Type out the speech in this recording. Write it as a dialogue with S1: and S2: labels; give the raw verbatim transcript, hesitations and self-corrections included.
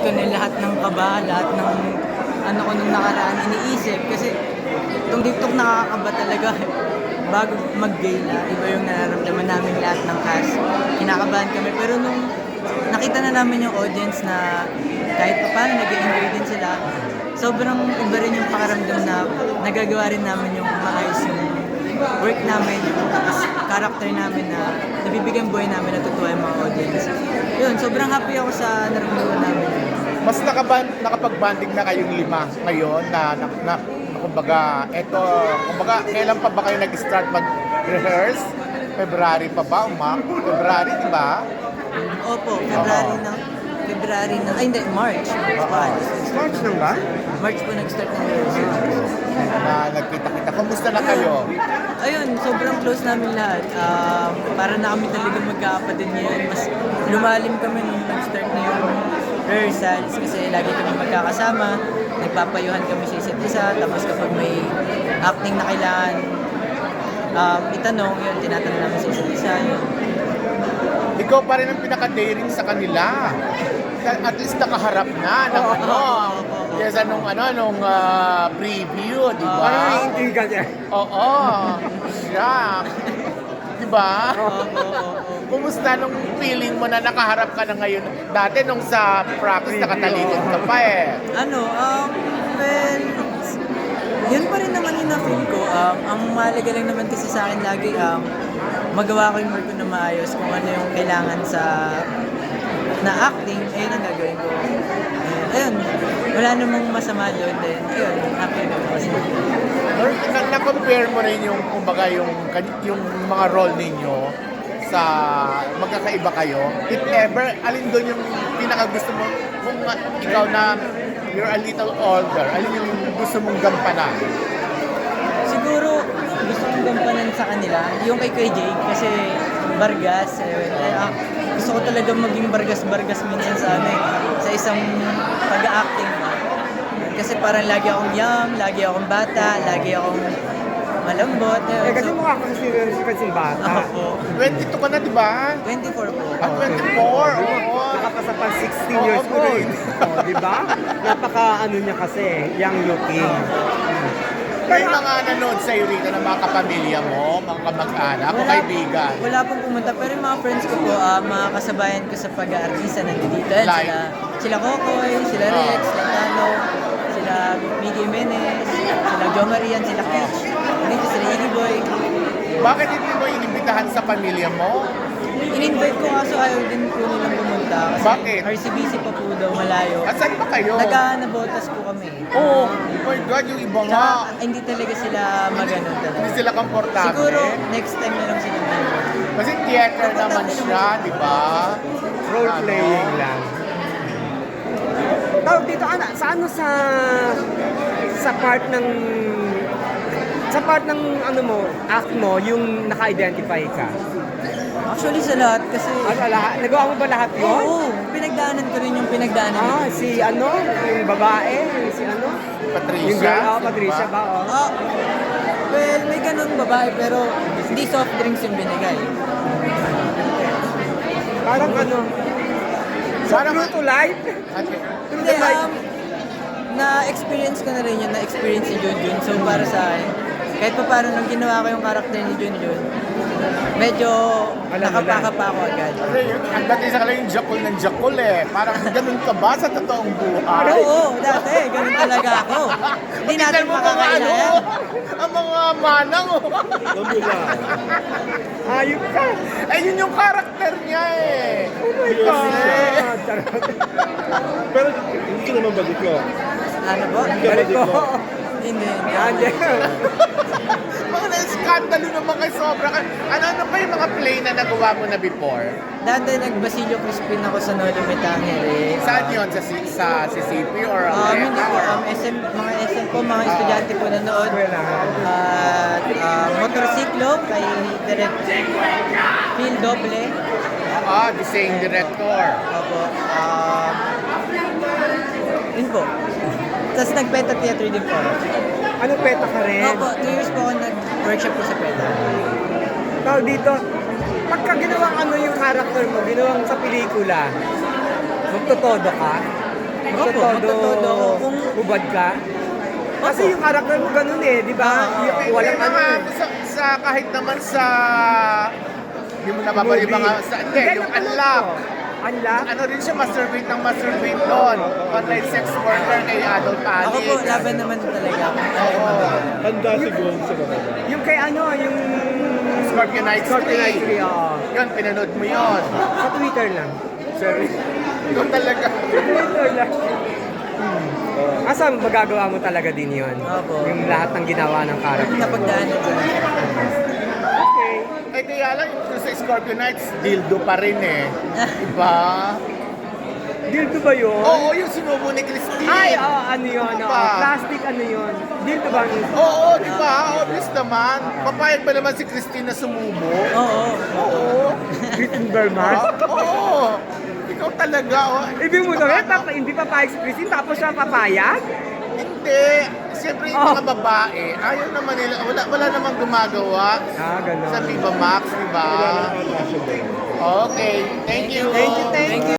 S1: ko na lahat ng kaba, lahat ng ano ko nung nakaraan iniisip. Kasi itong TikTok nakakaba talaga. Bago mag-gala, iba yung nararamdaman namin lahat ng cast. Kinakabahan kami. Pero nung nakita na namin yung audience na kahit pa paano nag-enjoy din sila, sobrang iba rin yung pakaramdam na nagagawa rin namin yung maayos yung work namin, yung character namin na nabibigyan buhay namin, natutuwa yung mga audience. Yun, sobrang happy ako sa naramdaman namin.
S2: Mas nakaban, nakapag-banding na kayong lima ngayon na, na, na, na kumbaga, eto, kumbaga, kailan pa ba kayo nag-start mag-rehearse? February pa ba, Umak? February, di ba?
S1: Opo, February na. February na. Ay, hindi, March. March.
S3: March lang ba?
S1: March po nag-start ng rehearsal.
S2: Na nagkita-kita. Kumusta na kayo?
S1: Ayun, sobrang close namin lahat. Um, para na kami talaga magkakapatid ngayon. Mas lumalim kami nung nag-start na yung rehearsals kasi lagi kami magkakasama. Nagpapayuhan kami sa isa't isa. Tapos kapag may acting na kailangan um, itanong, yun, tinatanong namin sa isa't isa. Yun.
S2: Ikaw pa rin ang pinaka-daring sa kanila. At least nakaharap na ng ano. Kesa nung ano, nung ah, preview, di ba?
S3: Parang may intriga niya.
S2: Oo. Siya. Di ba?
S1: Oo, oo, oo.
S2: Kumusta nung feeling mo na nakaharap ka na ngayon? Dati nung sa practice, nakatalikod ka pa eh.
S1: Ano, um, well, yun pa rin naman yung na-feel ko. Um, ang mahalaga lang naman kasi sa akin lagi, um, magawa ko yung work ko na maayos kung ano yung kailangan sa na acting, ayun ang gagawin ko. Ayun, ayun wala namang masama doon din. Ayun, happy na kasi.
S2: Or na- na-compare mo rin yung, kumbaga, yung, yung mga role ninyo sa magkakaiba kayo. If ever, alin doon yung pinaka-gusto mo, kung uh, ikaw na you're a little older, alin yung gusto mong gampanan?
S1: Siguro, gusto kong gampanan sa kanila, yung kay Kuya Jake, kasi Bargas, eh, eh, ah, gusto ko talaga maging Bargas-Bargas minsan sa ano eh, sa isang pag-acting. Kasi parang lagi akong young, lagi akong bata, lagi akong malambot.
S3: Eh, kasi
S1: So,
S3: mukha ka kasi si kasing bata.
S1: ako,
S2: twenty-two ka na, di ba?
S1: twenty-four po.
S2: At twenty-four, oo.
S3: Nakapasa pa sixteen
S2: Oo,
S3: years
S2: po.
S3: old. Oh, di ba? Napaka ano niya kasi, young looking.
S2: May mga nanood sa'yo rito ng mga kapamilya mo, mga kamag-anak o kaibigan.
S1: Wala pong pumunta, pero yung mga friends ko po, ah, mga kasabayan ko sa pag-aartista nandito. Yan,
S2: Like?
S1: sila, sila Kokoy, sila Rex, sila Tano, sila Miggy Jimenez, sila Jo Marian, sila Kitch, dito sila Iggy Boy.
S2: Bakit hindi mo inimbitahan sa pamilya mo?
S1: In-invite ko kaso ayaw din po nilang pumunta kasi
S2: Bakit?
S1: R C B C pa po daw, malayo.
S2: At saan ba kayo?
S1: Nagkanabotas po kami.
S2: Oh, oh my God, yung iba nga.
S1: Tsaka hindi talaga sila maganon
S2: Hindi
S1: talaga.
S2: sila komportable.
S1: Siguro next time na lang sila nandun.
S2: Kasi theater naman siya, di ba?
S3: Role
S2: Ano?
S3: playing lang. Tawag dito, ano, sa ano sa sa part ng sa part ng ano mo, act mo, yung naka-identify ka.
S1: Actually sa lahat kasi
S3: Ano, lahat? Nagawa mo ba lahat yun?
S1: oo, pinagdaanan ko rin yung pinagdaanan
S3: Ah,
S1: nila.
S3: si ano, yung babae, yung si ano?
S2: Patricia.
S3: Yung girl, oh,
S2: di
S3: Patricia ba? Oh.
S1: Ah, well, may ganun babae pero hindi soft drinks yung binigay.
S3: Parang ano, so
S2: Parang-
S3: true to life?
S2: At-
S1: Hindi, um, na-experience ko na rin yun, na-experience si Junjun. So para sa akin, kahit pa paano nung ginawa ko yung karakter ni Junjun, medyo
S3: Alam mo
S1: nakapaka
S3: na.
S1: pa ako agad.
S2: Kasi yung, ang dati sa kanila yung jakul ng jakul eh. Parang ganun ka ba sa totoong buhay?
S1: Oo, dati, ganun talaga ako. Hindi natin
S2: Tingnan mo mga ano,
S1: makakailan.
S2: ang mga manang oh.
S3: Ayop ka!
S2: Eh, yun yung karakter niya eh.
S3: Oh my God! Charot.
S4: Pero hindi ka naman badiko.
S1: Ano po?
S3: Balik ko.
S1: Hindi. hindi.
S3: Yan,
S2: Mga na-skandalo naman kay sobra. ka- Ano-ano pa yung mga play na nagawa mo na before?
S1: Dati nag-Basilio Crispin ako sa Nolo Metangere.
S2: Saan yun? Sa, C- sa C C P or
S1: Um, hindi
S2: Aleta?
S1: po, um, S M, mga S M po, mga estudyante po nanood. At uh, motorsiklo kay Direct Phil Doble.
S2: Ah, the same director.
S1: Opo. Um, yun po. Tapos nag-Peta Theater din po. ako.
S3: Ano, peta ka rin?
S1: Opo, two years po ako nag-workshop po sa Peta.
S3: Tawag dito, pagka ginawang ano yung character mo, ginawang sa pelikula, magtotodo ka?
S1: Opo,
S3: Magtotodo,
S1: magtotodo ako kung-
S3: hubad ka? Kasi
S1: Opo.
S3: yung karakter mo ganun eh, di ba?
S1: Ah,
S3: Yung
S2: Hindi
S3: walang ano
S2: naman,
S3: eh.
S2: sa, sa, kahit naman sa, hindi mo nababali
S3: Movie.
S2: mga, sa, hindi, yung
S3: napanood
S2: unlock.
S3: ko. Unlock?
S2: Ano rin siya, masturbate ng masturbate doon. Online sex worker kay adult addict.
S1: Ako po, laban naman talaga ako.
S2: Oo.
S4: Handa si Gwen sa mga.
S3: Yung kay ano, yung
S2: Scorpio Night
S3: Scorpio Night
S2: Street.
S3: Tree, oo.
S2: Yun, pinanood mo yun.
S3: Sa Twitter lang.
S2: Sorry. Ikaw talaga.
S3: Sa Twitter lang. Hmm. Asa magagawa mo talaga din yun?
S1: Opo.
S3: Yung lahat ng ginawa ng character.
S1: Napagdaanan ko.
S3: Okay.
S2: Eh kaya lang, yung sa Scorpio Nights, dildo pa rin eh. Diba?
S3: Dildo ba yun?
S2: Oo, yung sinubo ni Christine.
S3: Ay, oo, ano yun?
S2: Ano
S3: oo.
S2: ba?
S3: Plastic, ano yun? Dildo ba?
S2: Oo, di ba? Obvious naman. Papayag ba naman si Christine na sumubo?
S1: Oo.
S2: Oo.
S3: Written Burman?
S2: Ah, Oo. Ikaw talaga, oh.
S3: Ibig mo sabihin, papa, hindi papayag si Christine, tapos siya papayag?
S2: Hindi. Siyempre yung
S3: Oh.
S2: mga babae, ayaw naman nila, wala, wala namang gumagawa
S3: Ah, gano'n.
S2: sa Viva Max, di ba?
S4: Kailangan ka passion din.
S2: Okay. Thank you.
S3: Thank you, thank you.